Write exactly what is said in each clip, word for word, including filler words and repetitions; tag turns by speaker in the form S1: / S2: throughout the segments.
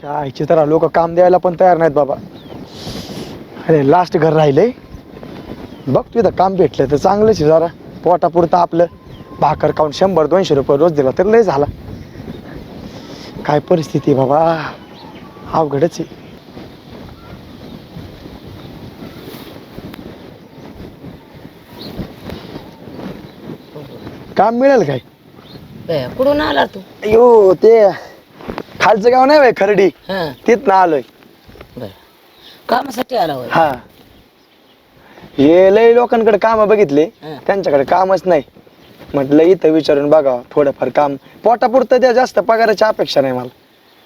S1: आईची तर लोक काम द्यायला पण तयार नाहीत बाबा. अरे लास्ट घर राहिलंय. बघ तुझं काम भेटलं तर चांगलंच आहे, जरा पोटापुरतं आपलं भाकर खाऊन शंभर दोनशे रुपये रोज दिला तर लय झाला. काय परिस्थिती बाबा, अवघडच आहे. काम मिळेल काय?
S2: बे, कुठून आला तू?
S1: अयो ते खालचं गाव नाही बाई खरडी,
S2: हा
S1: तिथनं आलोय.
S2: बर, कामासाठी आला होय?
S1: हा, हे लय लोकांकडे काम बघितले,
S2: हा.
S1: त्यांच्याकडे कामच नाही. म्हटलं इथं विचारून बघा थोडंफार काम, पोटापुरतं द्या, जास्त पगाराची अपेक्षा नाही मला.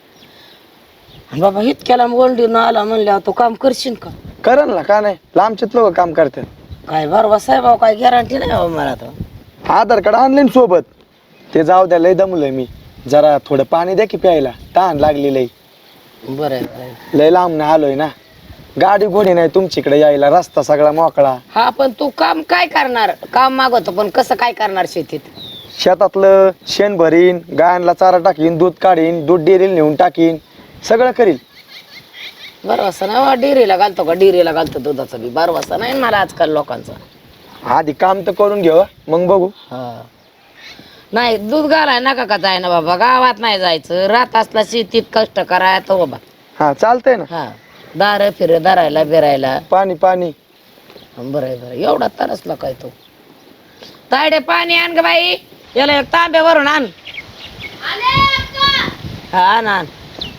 S2: बाबा इतक्याला गोल्डीन आला म्हणल्यावर तू काम करशील का?
S1: करण ना, का नाही, लांबचेच लोक काम करतात.
S2: काय बरोबर साहेब, काय गॅरंटी नाही बाबा मला तर.
S1: आधार कार्ड आणले सोबत, ते जाऊ द्या, लय दमलोय मी. जरा थोडं पाणी द्या की प्यायला, तहान लागली लय.
S2: बरं आहे, बरं आहे.
S1: लय लांब ना आलोय ना, गाडी घोडी नाही तुमच्याकडे यायला, रस्ता सगळा मोकळा.
S2: हा पण तू काम काय करणार? काम मागवतो पण कसं काय करणार शेतीत?
S1: शेतातलं शेण भरीन, गायांना चारा टाकीन, दूध काढीन, दूध डेअरीला नेऊन टाकीन, सगळं करील.
S2: बरं वाजता नाही डिरीला घालतो का? डिरीला घालतो दुधाचं बी बारा वाजता नाही मला आजकाल लोकांचा.
S1: आधी काम तर करून घेऊ, मग बघू.
S2: हा नाही दूध घालाय नका का जाय ना बाबा, गावात नाही जायचं, रात असला शेतीत कष्ट करायचं बाबा.
S1: हा चालतंय ना.
S2: हा दार फिर धरायला बिरायला.
S1: पाणी पाणी.
S2: बरं आहे, बरं एवढा तरसला काय तो. तायडे पाणी आण ग बाई, याला एक तांब्यावरून आण. हा आण आण.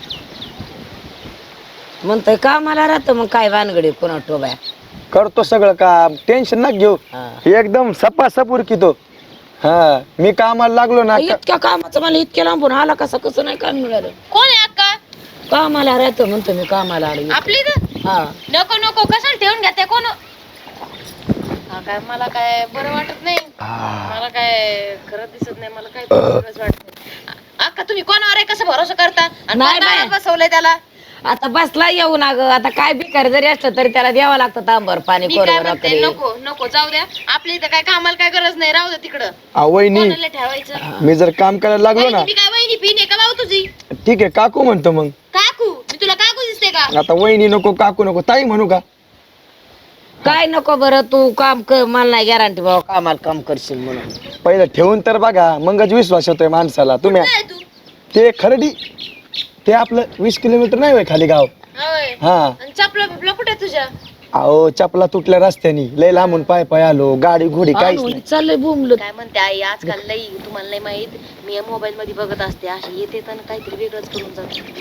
S2: म्हणतोय कामाला राहतं मग काय भानगडी कोणा टोबाय.
S1: करतो सगळं काम, टेन्शन नका घेऊ.
S2: हा.
S1: एकदम सपा सपूर की तो. हा मी कामाला लागलो ना.
S2: इतक्या कामाचं मला इतक्या लांबून आला कसं कसं नाही काम मिळालं.
S3: कोण आहे अक्का?
S2: कामाला राहतो म्हणतो मी, कामाला आलो.
S3: आपली इथं?
S2: हा
S3: नको नको, कशाला ठेवून घ्या ते कोण? हा काय मला काय बरं वाटत नाही, मला काय खरं दिसत नाही, मला काय वेगळंच वाटत. अक्का तुम्ही कोणावर आहे, कसं भरोसा करता? आणि
S2: नाही
S3: कोण
S2: बाई.
S3: दारात बसवलंय त्याला?
S2: आता बसला येऊ ना ग, आता काय भिकारी जरी असलं तरी त्याला द्यावं लागतं तांबर पाणी
S3: मी काय
S2: कोरभर
S3: म्हणते,
S2: रात्री.
S3: नको नको जाऊ द्या, आपल्या इथं काय कामाला काय गरज नाही, राहू द्या तिकडं.
S1: अहो, वहिनी
S3: कोणाला ठेवायचं?
S1: मी जर काम करायला लागलो ना.
S3: वहिनी, मी काय वहिनी पिणे का भाऊ तुझी?
S1: ठीक आहे काकू म्हणतो मग.
S3: काकू? मी तुला काकू दिसते का?
S1: आता वहिनी नको, काकू नको, ताई म्हणू का?
S2: काय नको बरं, तू काम कर, मला नाही गॅरंटी बाबा कामाला काम करशील म्हणून.
S1: पहिलं ठेवून तर बघा, मगच विश्वास येतोय माणसाला. तुम्ही
S3: काय तू?
S1: ते खरडी, ते आपलं वीस किलोमीटर नाही होय खाली गाव.
S3: होय.
S1: हा
S3: आणि चपला बिपला कुठे आहे तुझ्या?
S1: अहो चपला तुटल्या रस्त्यानी, लय लांबून पाय पाय आलो, गाडी घोडी काहीच
S2: आणून
S1: नाही.
S2: चाललंय बुमलं.
S3: काय म्हणते आई, आजकाल लई तुम्हाला नाही माहित, मी मोबाईल मध्ये बघत असते, अशी येते तर काहीतरी वेगळंच करून जाते. मला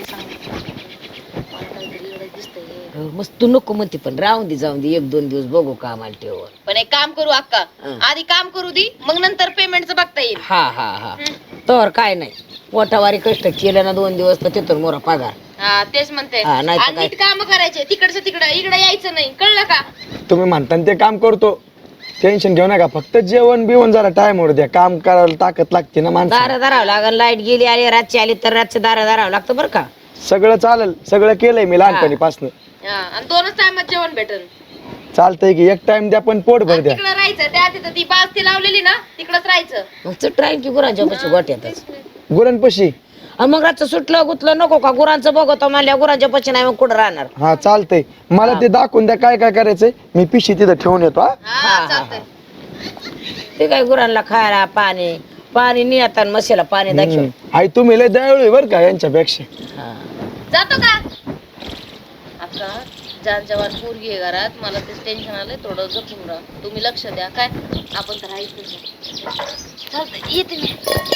S3: काहीतरी वेगळंच दिसतंय.
S2: मस्त तू नको म्हणते, पण राहून दे, जाऊन दे, एक दोन दिवस बघू कामाला ठेव.
S3: पण एक काम करू अक्का,
S2: हं.
S3: आधी काम करू दे, मग नंतर पेमेंटचं बघता येईल.
S2: हा हा हा तर काय नाही, पोटावारी कष्ट केलं ना दोन दिवस तर तिथून मोरा पगार.
S3: हा तेच म्हणते.
S2: हा, नाही तर
S3: आणि
S2: काय.
S3: नीट काम करायचे, तिकडचं तिकडं, इकडे यायचं नाही, कळलं का?
S1: तुम्ही म्हणता ना ते काम करतो, टेन्शन घेऊ नका. फक्त जेवण बिवण जरा टाइम वर द्या, काम करायला ताकद लागते ना माणसाला.
S2: दारं धरावं लागल, लाईट गेली आली रातची आली तर रातचं दारं धरावं लागतं बरं का.
S1: सगळं चालेल, सगळं केलंय मी लहानपणीपासून.
S3: हा, आणि दोनच टायमात जेवण भेटन.
S1: चालतंय की एक टाइम द्या पण पोट भर द्या.
S3: तिकडं राहायचं, त्या तिथं ती बाज ती लावलेली ना, तिकडच राहायचं.
S2: मग चुटराईन की गुरांच्या पशी गोट्यातच.
S1: गुरांपशी.
S2: आणि मग रातचं सुटलं गुतलं नको का, गुरांचं बघतो म्हणल्या गुरांच्या पशी नाही मग कुठं राहणार.
S1: हा चालतंय, मला ते दाखवून द्या काय काय करायचंय, मी पिशी तिथं ठेवून येतो. हा
S3: हा
S2: हा,
S3: चालतंय.
S2: ते काय गुरांना खायला पाणी पाणी नाही आता मशीला पाणी दाखव.
S1: हम्म. आई तुम्ही लय दयाळू आहे बरं का यांच्यापेक्षा.
S2: हा.
S3: जातो का अक्का? जान जवान पोरगी आहे घरात, मला तेच टेन्शन आलंय, थोडं जपून राहा, तुम्ही लक्ष द्या. काय आपण तर राहायचं. चालतंय, येते मी.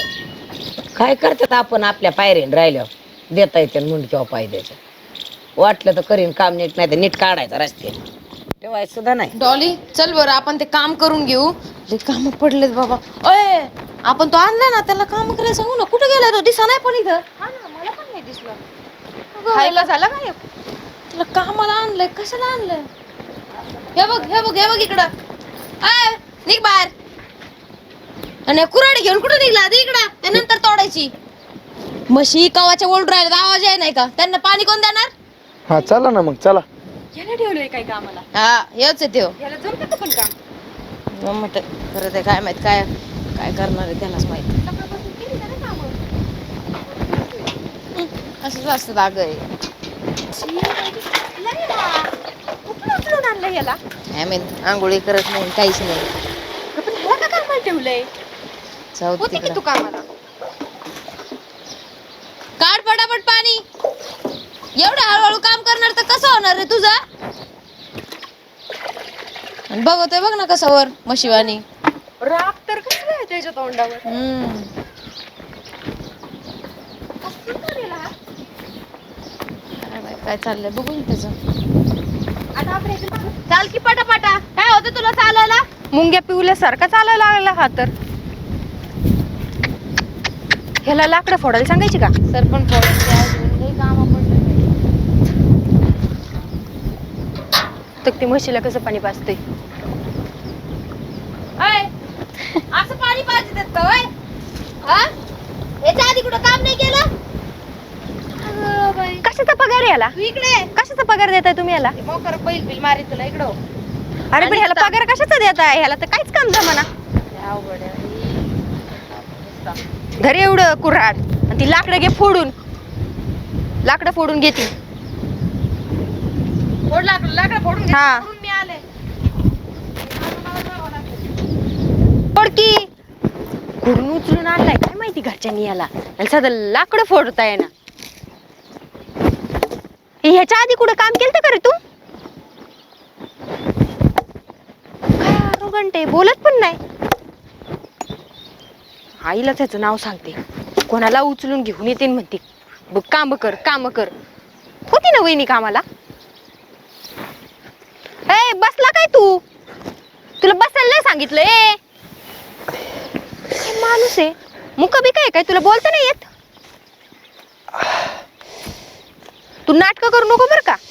S2: काय करतात आपण आपल्या पायरीन राहिल्यावर, देता येते म्हणून किंवा पाय द्यायचं. वाटलं तर करीन काम, नीट नाही तर नीट काढायचं रस्त्याने, ठेवायचं सुद्धा नाही.
S3: डॉली चल बरं, आपण ते काम करून घेऊ. लय काम पडलेत बाबा. अय आपण तो आणला ना, त्याला काम करायला सांगू ना. कुठे गेला तो? दिसा नाही पण इथं. हा ना, मला पण नाही दिसला. खायला झाला काय? तुला कामाला आणलंय, कशाला आणलंय? हे बघ हे बघ हे बघ इकडं. अय निघ बाहेर. आणि कुऱ्हाडी घेऊन कुठे निघला? आधी इकडं, त्यानंतर तोडायची. म्हशी कवाच्या ओढून राहिला, आवाज आहे नाही का? त्यांना पाणी कोण देणार?
S1: हा चला ना मग, चला.
S3: याला ठेवलंय काय कामाला? हा हेच आहे त्यो. याला जमतं का पण काम? जमत खरं ते काय माहित, काय काय करणार आहे त्यालाच माहित. असंच असतं दाग आहे. आणलं याला आंघोळी करत नाही काहीच नाही. पण ह्याला का कामाला ठेवलंय?
S2: जाऊ दे
S3: होती की
S2: तिकडं.
S3: तू कामाला. काढ पटापट पाणी. एवढं हळूहळू काम करणार तर कसं होणार रे तुझा? बघतोय बघ ना कसं वर मशिवानी. राग तर कसं आहे त्याच्या तोंडावर. हम्म काय चाललंय बघून त्याच. चाल की पटापटा. काय होतं तुला चालायला? मुंग्या पिवल्यासारखा चालायला लागला हा तर. ह्याला लाकडं फोडायला सांगायची का? सर पण फोडायची काम तर ती म्हशीला कसं पाणी पाजते. असं पाणी पाजतात का होय? हा? याच्या आधी कुठं काम नाही केलं? कशाचा पगार याला? इकडे कशाचा पगार देताय तुम्ही याला? मोकर बैल बिल मारी तुला इकडं. अरे पण ह्याला पगार कशाचा देताय? ह्याला तर काहीच काम जमाना. घरी एवढं कुऱ्हाड आणि ती लाकडं घे फोडून. लाकडं फोडून घेते. फोड लाकडं लाकडं फोडून घे. हा मी आले. फोडकी कुठून उचलून आणलाय काय माहिती घरच्यांनी याला. आणि साधं लाकडं फोडताय ना. ह्याच्या आधी कुठं काम केलं का रे तू? काय आरोगंटे बोलत पण नाही. आईला त्याचं नाव सांगते. कोणाला उचलून घेऊन येते म्हणते बघ काम कर काम कर. होती ना वहिनी कामाला. ए बसला काय तू? तुला बसायला नाही सांगितलंय. माणूस आहे मुका बी काय काय तुला बोलता नाही येत. तू नाटक करू नको बर का.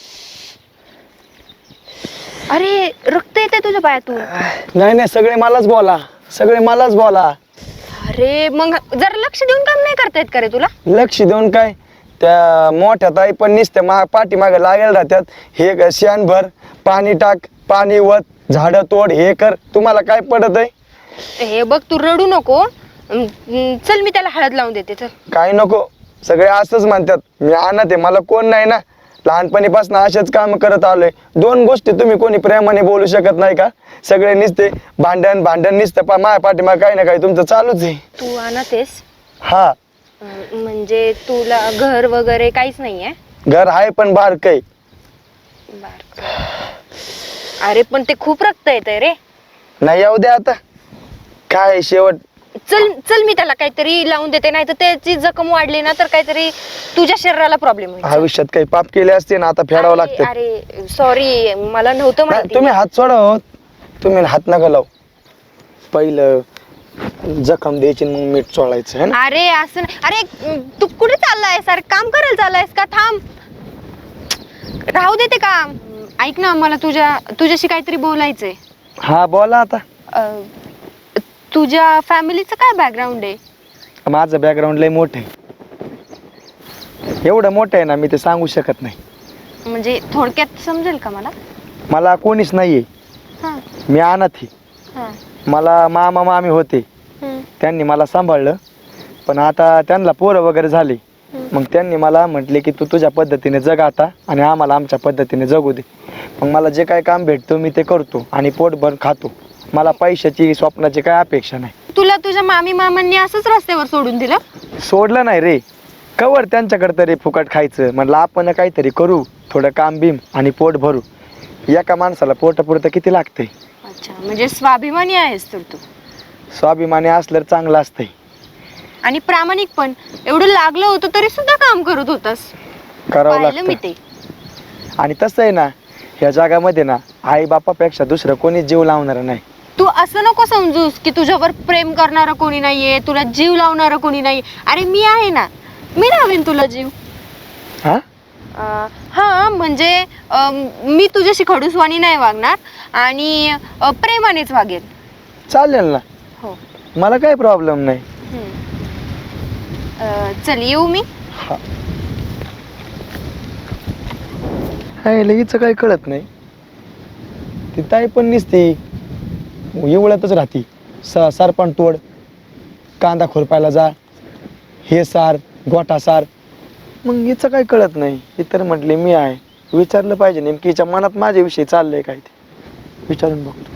S3: अरे रक्त येते तुझ्या पायातून.
S1: नाही नाही सगळे मलाच बोला सगळे मलाच बोला.
S3: अरे मग जरा लक्ष देऊन काम नाही करता येत का रे तुला?
S1: लक्ष देऊन काय त्या मोठ्या ताई पण नुसत्या मा पाठीमागे लागेल राहतात. हे शेण भर पाणी टाक पाणी वत झाडं तोड हे कर. तुम्हाला काय पडत आहे?
S3: हे बघ तू रडू नको. चल मी त्याला हळद लावून देते. चल.
S1: काय नको सगळे असंच म्हणतात. मी आणत आहे मला कोण नाही ना. लहानपणीपासून असेच काम करत आलोय. दोन गोष्टी तुम्ही कोणी प्रेमाने बोलू शकत नाही का? सगळे निसते भांडण भांडण निसतं पा माझ्या पाठीमागे काही ना काही तुमचं चालूच आहे.
S3: तू आणतेस?
S1: हा
S3: म्हणजे तुला घर वगैरे काहीच नाहीये?
S1: घर आहे पण बारक आहे.
S3: अरे पण ते खूप रक्त येतंय रे.
S1: नाही येऊ द्या आता काय शेवट.
S3: चल चल मी त्याला काहीतरी लावून देते. नाही तर त्याची जखम वाढली ना तर काहीतरी तुझ्या शरीराला प्रॉब्लेम होईल.
S1: आयुष्यात काही पाप केले असते ना आता फेडावं लागतं.
S3: अरे सॉरी मला नव्हतं माहिती.
S1: तुम्ही हात सोडा हो. तुम्ही हात नका लावू. पहिलं जखम द्यायची मग मीठ चोळायचं है ना.
S3: अरे असं नाही. अरे तू कुठे चाललायस? अरे काम करायला चाललायस का? थांब राहू देते काम. ऐक ना मला तुझ्या तुझ्याशी काहीतरी बोलायचंय.
S1: हा बोला आता.
S3: अं, तुझ्या फॅमिलीचं काय बॅकग्राऊंड आहे?
S1: माझं बॅकग्राऊंड लय मोठं आहे. एवढं मोठं आहे ना मी ते सांगू शकत नाही.
S3: म्हणजे थोडक्यात समजेल का मला?
S1: मला कोणीच नाहीये.
S3: हां
S1: मी अनाथ आहे.
S3: हां
S1: मला मामा मामी होते. त्यांनी मला सांभाळलं. पण आता त्यांना पोरं वगैरे झाली. मग त्यांनी मला म्हटले की तू तुझ्या पद्धतीने जग आता आणि आम्हाला आमच्या पद्धतीने जगू दे. मग मला जे काय काम भेटतो मी ते करतो आणि पोटभर खातो. मला पैशाची स्वप्नाची काय अपेक्षा नाही.
S3: तुला तुझ्या मामी मामांनी असंच रस्त्यावर सोडून दिलं?
S1: सोडलं नाही रे. कवर त्यांच्याकडे तरी फुकट खायचं म्हणलं आपण काहीतरी करू. थोडं काम बिम आणि पोट भरू. एका माणसाला पोटापुरतं किती लागतंय.
S3: अच्छा म्हणजे स्वाभिमानी आहेस तर तू.
S1: स्वाभिमानी असलं चांगलं असतंय.
S3: आणि प्रामाणिक पण. एवढं लागलं होतं तरी सुद्धा काम करत होतास.
S1: करावं
S3: पाहिलं मी
S1: लागतं.
S3: ते.
S1: आणि तसं आहे ना ह्या जगामध्ये ना आई बापापेक्षा दुसरं कोणी जीव लावणार नाही.
S3: तू असं नको समजूस की तुझ्यावर प्रेम करणारं कोणी नाहीये, तुला जीव लावणारं कोणी नाही. अरे मी आहे ना. मी लावेन तुला जीव.
S1: हा
S3: अं, हा म्हणजे अं, मी तुझ्याशी खडूसवाणी नाही वागणार आणि अं, प्रेमानेच वागेल.
S1: चालेल ना.
S3: हो.
S1: मला काही प्रॉब्लेम नाही.
S3: हम्म. अं, चल येऊ मी.
S1: हा लगेच काही कळत नाही. ती ताई पण निसती एवढ्यातच राहती. स सरपण तोड कांदा खुरपायला जा हे सार गोठा सार मग हिचं काय कळत नाही. ही तर म्हटली मी आहे. विचारलं पाहिजे नेमकी हिच्या मनात माझ्याविषयी चाललंय काय ते विचारून बघतो.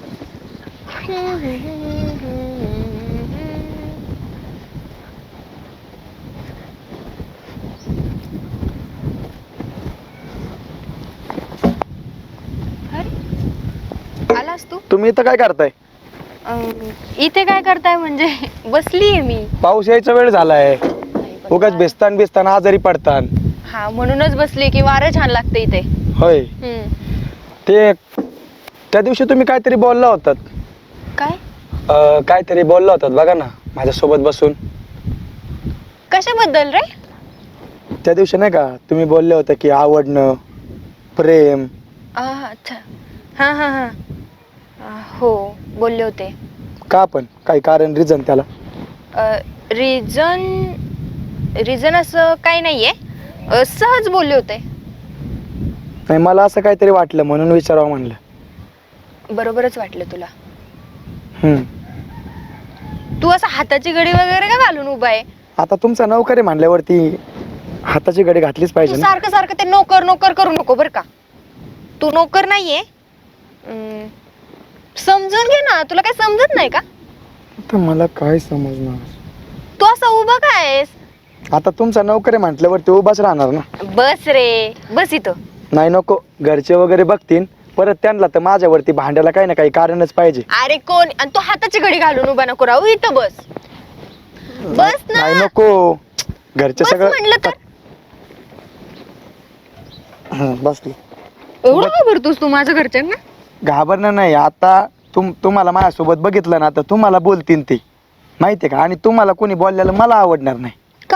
S3: आलास तू?
S1: तुम्ही इथं काय करताय?
S3: अं, इथे काय करताय म्हणजे बसलीये मी.
S1: पाऊस यायचा वेळ झालाय. उगाच बेसतान बेसतान आजारी पडतान.
S3: हा म्हणूनच बसली की वारं छान लागतं इथे.
S1: होय.
S3: हम्म.
S1: ते त्या दिवशी तुम्ही काहीतरी बोलला होतात.
S3: काय?
S1: अं, काहीतरी बोलला होतात बघा ना माझ्यासोबत बसून.
S3: कशाबद्दल रे?
S1: त्या दिवशी नाही का तुम्ही बोलले होते की आवडणं, प्रेम.
S3: आ, अच्छा. हा हा हा आ, हो बोलले होते.
S1: का पण काही कारण रिझन त्याला?
S3: रिझन रिझन असं काही नाहीये. अ, सहज बोलले होते.
S1: नाही मला असं काहीतरी वाटलं म्हणून विचारावं म्हणलं.
S3: बरोबरच वाटलं तुला.
S1: हम्म.
S3: तू असं हाताची घडी वगैरे का घालून उभा आहे?
S1: आता तुमचा नोकरी म्हणल्यावरती हाताची घडी घातलीच
S3: तू
S1: पाहिजे ना.
S3: सारखं सारखं ते नोकर नोकर करू नको बर का. तू नोकर नाहीये. अं, समजून घे ना. तुला काय समजत नाही का?
S1: आता मला काय समजणार.
S3: तू असं उभं काय आहेस?
S1: आता तुमचा नोकरी म्हटल्यावरती उभाच राहणार ना.
S3: बस रे बस इथं.
S1: नाही नको घरचे वगैरे बघतील परत त्यांना तर माझ्यावरती भांड्याला काही ना काही कारणच पाहिजे.
S3: अरे कोण? आणि तू हाताची घडी घालून उभा नको राहू. इथं बस. बस ना.
S1: नाही नको घरचे
S3: बस
S1: सगळं
S3: म्हणलं तर.
S1: हं, बसली.
S3: एवढं घाबरतोस तू माझ्या घरच्यांना?
S1: घाबरणं नाही. आता तुम तुम्हाला माझ्यासोबत बघितलं ना तर तुम्हाला बोलतील ते माहितीये का. आणि तुम्हाला कोणी बोललेलं मला आवडणार नाही.
S3: का?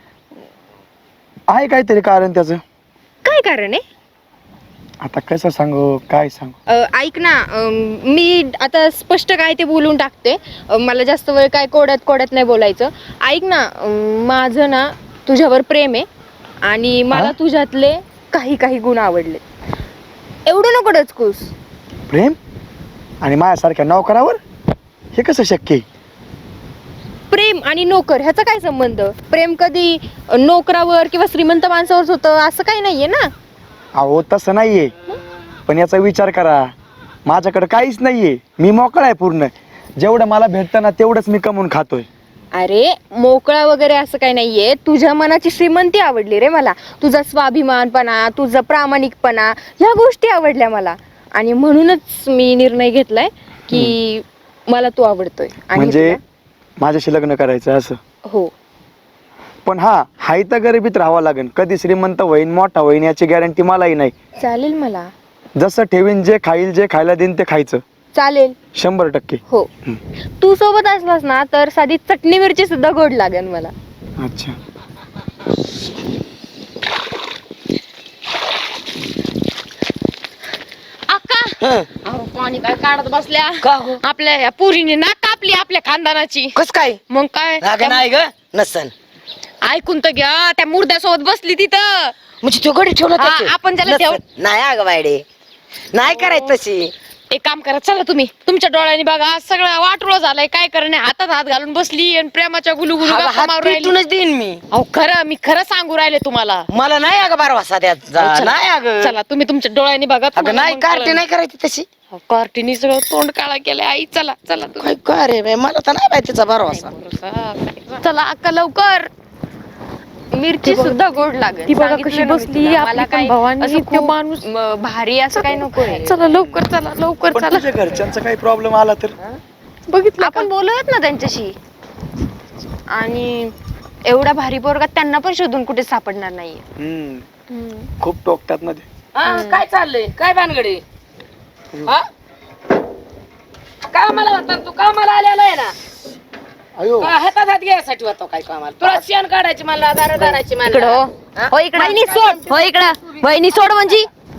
S1: आहे काहीतरी कारण त्याचं.
S3: काय कारण आहे?
S1: आता कसं सांगू काय सांगू.
S3: अ, ऐक ना. अम, मी आता स्पष्ट काय ते बोलून टाकते. अ, मला जास्त वेळ काय कोड्यात कोड्यात नाही बोलायचं. ऐक ना. अम, माझं ना तुझ्यावर प्रेम आहे आणि मला
S1: हा?
S3: तुझ्यातले काही काही गुण आवडले. एवढं नको डचकूस.
S1: प्रेम आणि माझ्यासारख्या नोकरावर हे कसं शक्य आहे?
S3: प्रेम आणि नोकर ह्याचा काय संबंध? प्रेम कधी नोकरावर किंवा श्रीमंत माणसावर होतं असं काही नाहीये ना.
S1: अहो तसं नाहीये. पण याचा विचार करा. माझ्याकडे काहीच नाहीये. मी मोकळा आहे पूर्ण. जेवढं मला भेटतं ना तेवढंच मी कमवून खातोय.
S3: अरे मोकळा वगैरे असं काही नाहीये. तुझ्या मनाची श्रीमंती आवडली रे मला. तुझा स्वाभिमानपणा, तुझा प्रामाणिकपणा ह्या गोष्टी आवडल्या मला. आणि म्हणूनच मी निर्णय घेतलाय की मला तू आवडतोय. आणि
S1: म्हणजे
S3: तुला?
S1: माझ्याशी लग्न करायचं असं.
S3: हो.
S1: पण हा हाय तर गरिबीत राहावं लागेल. कधी श्रीमंत होईन मोठा होईन याची गॅरंटी मलाही नाही.
S3: चालेल मला.
S1: जसं ठेवीन जे खाईल जे खायला देईन ते खायचं.
S3: चालेल.
S1: शंभर टक्के.
S3: हो. तू सोबत असलास ना तर साधी चटणी मिरची सुद्धा गोड लागेल मला.
S1: अच्छा.
S3: अक्का अहो पाणी काय काढत बसल्या.
S2: का हो?
S3: आपल्या या पुरीने ना कापली आपल्या खानदानाची.
S2: कस काय?
S3: मग काय?
S2: अगं नाही ग नसन.
S3: ऐकून तर घ्या. त्या मुर्द्यासोबत बसली तिथं.
S2: म्हणजे तो गडी ठेवला
S3: हा,
S2: त्याच्यात?
S3: आपण त्याला
S2: नसन.
S3: ठेव-
S2: नाही अगं बायडे नाही करायचं तशी.
S3: एक काम करा चला तुम्ही तुमच्या डोळ्याने बघा. सगळं वाटोळं झालंय. काय करणे हातात हात घालून बसली आणि प्रेमाच्या गुलू गुलू
S2: अगं, हात
S3: राहिली.
S2: पिटूनच देईन मी.
S3: अहो खरं मी खरं सांगू राहिले तुम्हाला.
S2: मला नाही अगं बारवासा द्यात
S3: चला.
S2: नाही अगं.
S3: चला तुम्ही तुमच्या डोळ्याने बघा.
S2: अगं
S3: तुम्हाला
S2: नाही
S3: मग
S2: कार्टी
S3: कळेल.
S2: नाही करायची तशी.
S3: अहो, कार्टीनी सगळं तोंड काळा केलंय. आई चला चला तुम्ही.
S2: काय का रे बाई, मला तर नाही बाई तिचा बारवासा.
S3: चला अक्का लवकर. मिरची सुद्धा गोड लागेल.
S4: ती बघा
S3: सांगितलं
S4: कशी
S3: ना मी
S4: बसली,
S3: तुला.
S4: आपली
S3: मला
S4: पण
S3: काय
S4: भवानी,
S3: असं
S4: ते
S3: खूप,
S4: माणूस.
S3: म, भारी असं काही नको
S4: चला लवकर चला लवकर
S1: पण
S4: चला.
S1: तुझ्या घरच्यांचा काही प्रॉब्लेम आला तर?
S4: बघितलं
S3: आपण बोलूयात ना त्यांच्याशी. आणि एवढा भारी पोरगा त्यांना पण शोधून कुठे सापडणार नाहीये.
S1: हम्म. खूप टोकतात ना ते.
S2: हा, काय चाललंय काय भानगडी? हा कामाला होता तू कामाला आलेला आहे ना.
S1: अयो
S2: का हातात हात घ्यायसाठी होतो काय कामाला? तुला शेण काढायची मला दारा दाराची
S3: इकडं
S2: मला.
S3: हो.
S2: हा?
S3: हो इकडं. वहिनी सोड. हो इकडं. वहिनी सोड म्हणजे.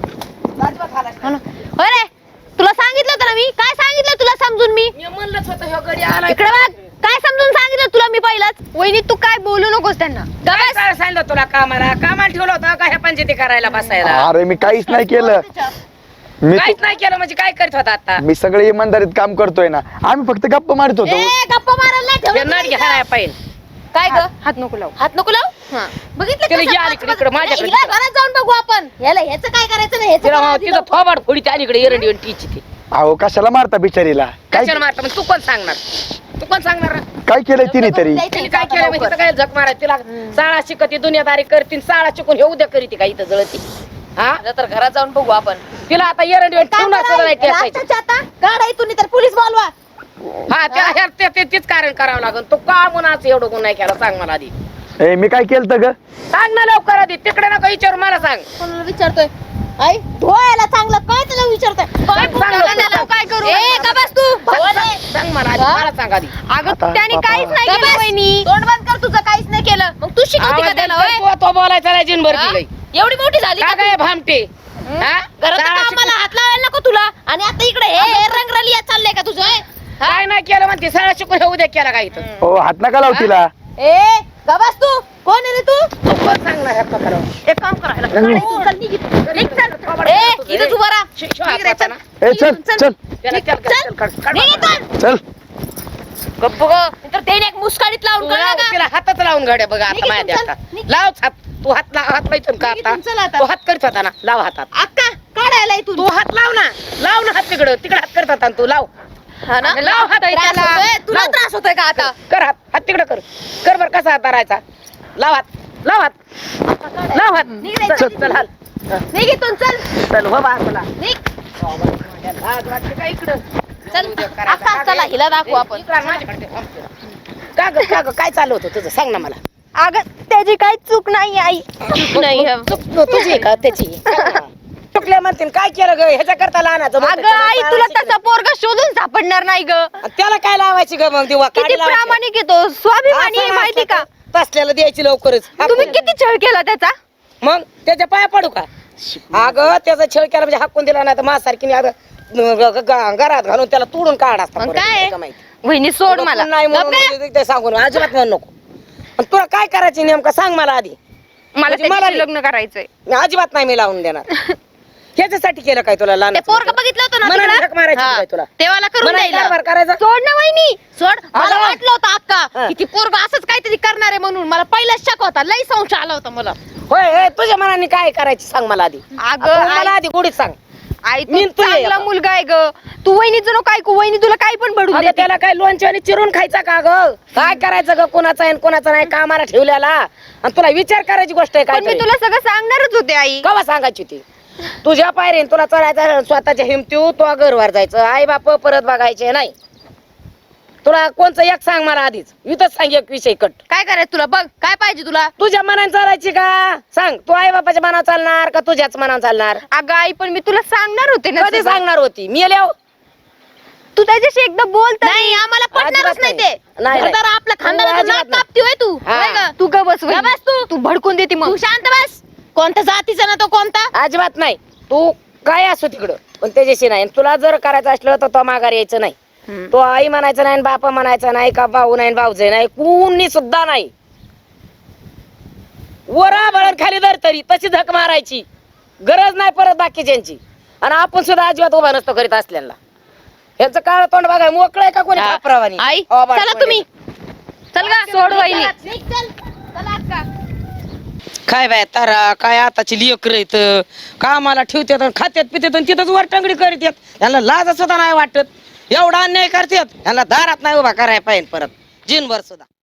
S3: हो रे तुला सांगितलं होतं ना मी. काय सांगितलं तुला समजून मी?
S2: मी म्हणलंच होतं ह्यो गडी आला.
S3: इकडे बघ. काय समजून सांगितलं तुला मी पहिलाच? वहिनी तू काय बोलू नकोस त्यांना.
S2: काय काय सांगितलं तुला कामाला? कामाला ठेवलं होतं का ह्या पंचायती करायला बसायला?
S1: अरे मी काहीच नाही केलं. मी
S2: काहीच नाही केलं म्हणजे काय करत होता आता?
S1: मी सगळे इमानदारीत काम करतोय ना. आम्ही फक्त गप्पा मारत होतो.
S3: ए गप्पा मारायला नाही
S2: ते
S3: ठेवलं
S2: नाट
S3: तुम्ही
S2: घ्यायला
S3: इथं.
S2: पाहिजे.
S3: काय ग? हात नको लावू. हात नको लावू. हा. बघितलं
S5: तिला
S3: कसं
S5: घे
S3: पाच
S5: अलीकडे,
S3: वाजता-
S5: इकडे माझ्याकडे
S3: हिला घरात जाऊन बघू आपण ह्याला ह्याचं काय करायचं नाही ह्याचं
S5: तिला
S3: काय
S5: म्हणा,
S3: आधी
S5: तिथं
S3: बघू.
S5: थोबाड फोडी त्याकडे एरंडी टीची ती
S1: अहो कशाला मारता बिचारीला काय
S5: कशाला मारता मग तू कोण सांगणार तू कोण सांगणार
S1: काय केलंय तिने तरी
S3: द्यायचं
S5: तिने
S3: इथं
S5: काय
S3: आता
S5: केलं
S3: लवकर.
S5: म्हणजे काय झक मारायची तिला शाळा शिकती दुनियादारी करतील शाळा शिकून हे उद्या करीती का इथं जळती हा
S3: आता तर घरात जाऊन बघू आपण
S5: तिला आता एरंडी
S3: काम
S5: ठेवणार
S3: करा,
S5: सुद्धा नाही टेकायची.
S3: रात्रीच्या आता गाडा इथून तर पोलीस बोलवा
S5: हा त्या ह्या- ते- ते- तेच कारण करावं लागेल तू का गुन्हाच एवढं गुन्हा नाही केला सांग मला आधी
S1: ए मी काय केलं ग
S5: सांग ना लवकर आधी तिकडे नका विचारू मला सांग
S3: कोणाला विचारतोय आई धुवायला चांगलं काय त्याला विचारतोय काय
S5: सांग
S3: पुण्याला
S5: लवकर,
S3: नेलं,
S5: सांग.
S3: काय करू ए का बस तू भगवान आहे.
S5: सांग मला आधी
S3: हा?
S5: मला सांग आधी
S3: अगं
S1: आता
S3: त्याने
S1: बाबा.
S3: काहीच नाही
S1: का
S3: केलं वहिनी तोंड बंद कर तुझं काहीच नाही केलं मग तू शिकवती का
S5: आवाज
S3: त्याला
S5: देतो,
S3: होय?
S5: तो- तो बोलायचा नाही जिनभर
S3: हा?
S5: दिलंय.
S3: एवढी मोठी झाली
S5: का
S3: का
S5: काय भामटे
S3: तू?
S5: हा?
S3: घरात
S5: शाळा
S3: कामाला
S5: शिकून-
S3: हात लावायला नको तुला आणि आता इकडे हे हे रंगरलिया चाललंय का तुझं होय? हा?
S5: काय नाही केलं म्हणते शाळा शिकून हे उद्या केला काय इथं
S1: हो हात नका लाव तिला
S3: ए गबास तू कोण आहे रे तू
S5: तू कोण सांगणार ह्या प्रकारावर?
S3: एक काम करायला चल, निघ इथून. निघ, चल. ए इथं उभा राहा.
S5: शि- शिव हात
S3: निघ रे, चल.
S5: वाचा
S1: ए चल
S3: चल.
S1: चल
S5: त्याला चल, चल, चल, काढ, काढ
S3: निघ
S5: बाबा.
S3: इथून.
S1: चल
S3: गप्प गं. नाहीतर त्याने एक मुस्काडीत लावून
S5: तू
S3: कळलं
S5: लाव,
S3: का?
S5: तिला हातच लावून घड्या बघा
S3: निघ
S5: आता
S3: इथून,
S5: माझ्या
S3: चल.
S5: हातात
S3: निघ.
S5: लाव हात तू हात लाव हात लावून का
S3: निघ इथून, चल
S5: आता
S3: आता.
S5: तू हात करत होता ना लाव हातात
S3: अक्का काढायला इथून
S5: तू हात लाव ना लाव ना हात तिकडं तिकडे हात करत होता ना तू लाव
S3: हा ना
S5: आणि लाव हात
S3: त्रास
S5: त्याला.
S3: होतोय? तुला
S5: लाव.
S3: त्रास होतोय का आता
S5: कर हात हात तिकडे कर कर बर कसा हात धरायचा लाव हात लाव हात लाव हात
S3: निघ रे,
S5: चल
S3: चल.
S5: चल हाल
S3: निघ इथून चल
S5: चल हो बा तुला
S3: निघ
S5: लाज वाटते का इकडं
S3: चल
S5: उद्या करायचं.
S3: अक्का
S5: का
S3: चला
S5: गं?
S3: हिला दाखवू आपण
S5: इकडं आण माझ्याकडे ते थांब तुला. का ग का ग काय चालू होतं तुझं सांग ना मला
S3: अगं त्याची काही चूक नाही आई नाही
S5: चुक तुझी आहे का त्याची सांग ना. चुकल्या म्हणते काय केलं ग ह्याच्या करता लहानाचं म्हणते,
S3: अगं
S5: त्याला
S3: आई
S5: शाळा
S3: तुला
S5: शिकली.
S3: तसा पोरगा शोधून सापडणार नाही ग
S5: आणि त्याला काय लावायची ग मग दिवा
S3: किती
S5: काडी लावायची.
S3: प्रामाणिक येतो स्वाभिमानी आहे
S5: असं
S3: माहिती का
S5: नसतं. तसल्याला द्यायची लवकरच
S3: तुम्ही किती छळ केला त्याचा
S5: मग त्याच्या पाया पडू का अगं त्याचा छळ केला म्हणजे हाकून दिला नाही तर माझ्यासारखीने अगं ग- ग- ग- घरात घालून त्याला तोडून काढ असता
S3: मग
S5: परत.
S3: काय?
S5: नाही का माहिती.
S3: वहिनी सोड
S5: तुला
S3: मला
S5: कोण नाही म्हणून
S3: गप्प रे.
S5: म्हणजे ते सांगून अजिबात म्हणू नको आणि तुला काय करायचं नेमकं सांग मला आधी
S3: मला
S5: म्हणजे मला
S3: त्याच्याशी
S5: नाही.
S3: लग्न करायचंय
S5: मी अजिबात नाही मी लावून देणार ह्याच्यासाठी केलं काय तुला लहान
S3: ते पोरग बघितलं होतं ना
S5: मनाने
S3: तिकडं?
S5: झक मारायची
S3: हा.
S5: काय तुला?
S3: तेव्हाला करून
S5: मनाने
S3: द्यायला.
S5: कारभार करायचा?
S3: सोड ना वहिनी सोड मला
S5: अगं.
S3: वाटलं होतं
S5: हा.
S3: अक्का की ती पोरग असंच काहीतरी करणार आहे म्हणून मला पहिलाच शक होता लई संशय आला होता मला
S5: होय होय तुझ्या मनाने काय करायची सांग मला आधी
S3: अगं,
S5: आता मला
S3: आई-
S5: आधी गोडीत सांग
S3: आई
S5: मी
S3: तू
S5: तू ये
S3: चांगला
S5: आता.
S3: मुलगा आहे ग तू वहिनीचं नको ऐकू वहिनी तुला काही पण बडून
S5: अगं
S3: देते.
S5: त्याला काय लोणच्या आणि चिरून खायचा का ग काय करायचं ग कोणाचा आहे आणि कोणाचा नाही कामाला ठेवल्याला आणि तुला विचार करायची गोष्ट आहे
S3: पण मी
S5: काय
S3: तुला सगळं सांगणारच होते आई
S5: कवा सांगायची ती तुझ्या पायरीन तुला चढायचं स्वतःच्या हिमतीव तो घरवर जायचं आई बाप परत बघायचे नाही तुला कोणचं एक सांग मला आधीच इथंच सांग एक विषय कट
S3: काय करायचं तुला बघ काय पाहिजे तुला
S5: तुझ्या मनाने चालायची का सांग तू आई बापाच्या मनावर चालणार का तुझ्याच मनावर चालणार
S3: अगं आई पण मी तुला सांगणार होते ना
S5: कधी
S3: सगळं.
S5: सांगणार होती मी आल्यावर
S3: तू त्याच्याशी एकदा बोल नाही आम्हाला पटणारच
S5: अजिबात
S3: नाही
S5: नाही.
S3: ते
S5: नाही, नाही.
S3: घरदार आपल्या
S5: तू
S3: खानदाराचं
S5: अजिबात
S3: नाक
S5: नाही.
S3: कापती होय तू
S5: हा.
S3: होय गं? तू ग बस वहिनी.
S5: बस तू.
S3: तू भडकून देते मग तू शांत बस कोणत्या जातीचा ना तो कोणता
S5: अजिबात नाही तू काय असो तिकडं पण त्याच्याशी नाही तुला जर करायचं असलं तर तो माघार यायचं नाही तो आई म्हणायचं नाही बापा म्हणायचा नाही का भाऊ नाही भाऊजे नाही कुणी सुद्धा नाही वरा बळण खाली धर तरी तशी झक मारायची गरज नाही परत बाकीच्यांची आणि आपण सुद्धा अजिबात उभा नसतो करीत असलेला ह्याचं काळ तोंड बघाय मोकळं आहे का कोणी खापरावानी?
S3: आई
S5: हो, बाळ,
S3: चला
S5: कोणी?
S3: तुम्ही चल गा सोड वहिनी
S5: काय बाय तारा काय आताची लेकर येत कामाला ठेवतात आणि खात्यात पितात आणि तिथंच वर टंगडी करीत येत यांना लाज सुद्धा नाही वाटत एवढा अन्याय करतात यांना दारात नाही उभा करायला पाहिजे परत जिनभर सुद्धा